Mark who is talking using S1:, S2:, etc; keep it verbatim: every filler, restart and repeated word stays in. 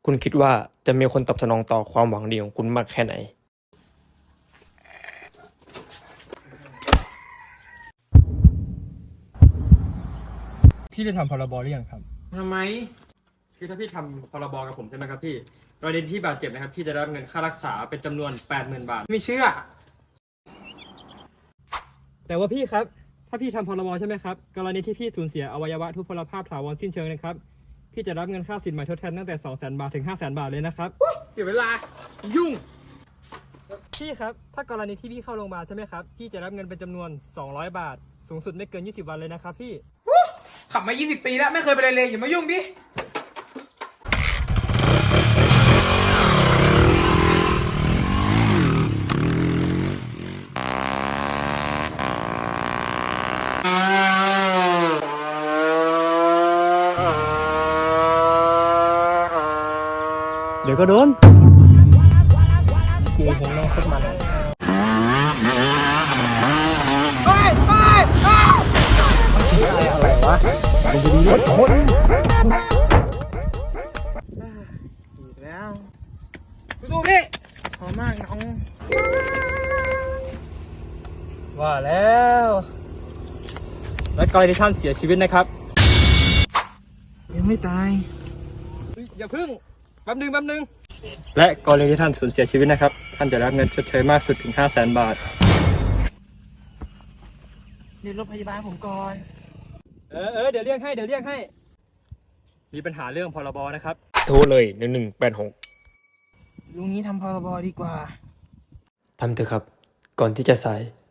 S1: คุณคิดว่าจะมีคนตอบสนองต่อความหวังดีของคุณมากแค่ไหนพี่ได้ทำพรบหรือยังครับทำไมคือถ้าพี่ทำพรบกับผมใช่ไหมครับพี่กรณีที่บาดเจ็บนะครับพี่จะได้รับเงินค่ารักษาเป็นจำนวน แปดหมื่น บาทไม่เชื่อแต่ว่าพี่ครับถ้าพี่ทำพรบใช่ไหมครับกรณีที่พี่สูญเสียอวัยวะทุพพลภาพถาวรสิ้นเชิงนะครับพี่จะรับเงินค่าสินใหม่ทดแทนตั้งแต่ สองแสน บาทถึง ห้าแสน บาทเลยนะครับเสียเวลายุ่งพี่ครับถ้ากรณีที่พี่เข้าโรงพยาบาลใช่ไหมครับพี่จะรับเงินเป็นจำนวนสองร้อยบาทสูงสุดไม่เกินยี่สิบวันเลยนะครับพี่
S2: ขับมายี่สิบปีแล้วไม่เคยไปเลยเลยอย่ามายุ่งดิ
S1: เดี๋ยวก็โดนจริงผมต้องขึ้นมาเลย
S2: ไปไปไป
S1: อะไรวะเป็นดีรถคน
S2: อีกแล้วสู้ๆพี่ขอมากน้อง
S1: ว่าแล้วและกรณีที่ท่านเสียชีวิตนะครับ
S2: ยังไม่ตาย
S1: อย่าพึ่งแป๊บนึงแป๊บนึงและกรณีที่ท่านสูญเสียชีวิตนะครับท่านจะรับเงินชดเชยมากสุดถึง ห้าแสน บาท
S2: เรียกรถพยาบาลผมก่อน
S1: เออเออเดี๋ยวเรียกให้เดี๋ยวเรียกให้มีปัญหาเรื่องพรบนะครับโทรเลยหนึ่งหนึ่งแปดหก
S2: ลุงนี้ทำพรบดีกว่า
S1: ทำเถอะครับก่อนที่จะสาย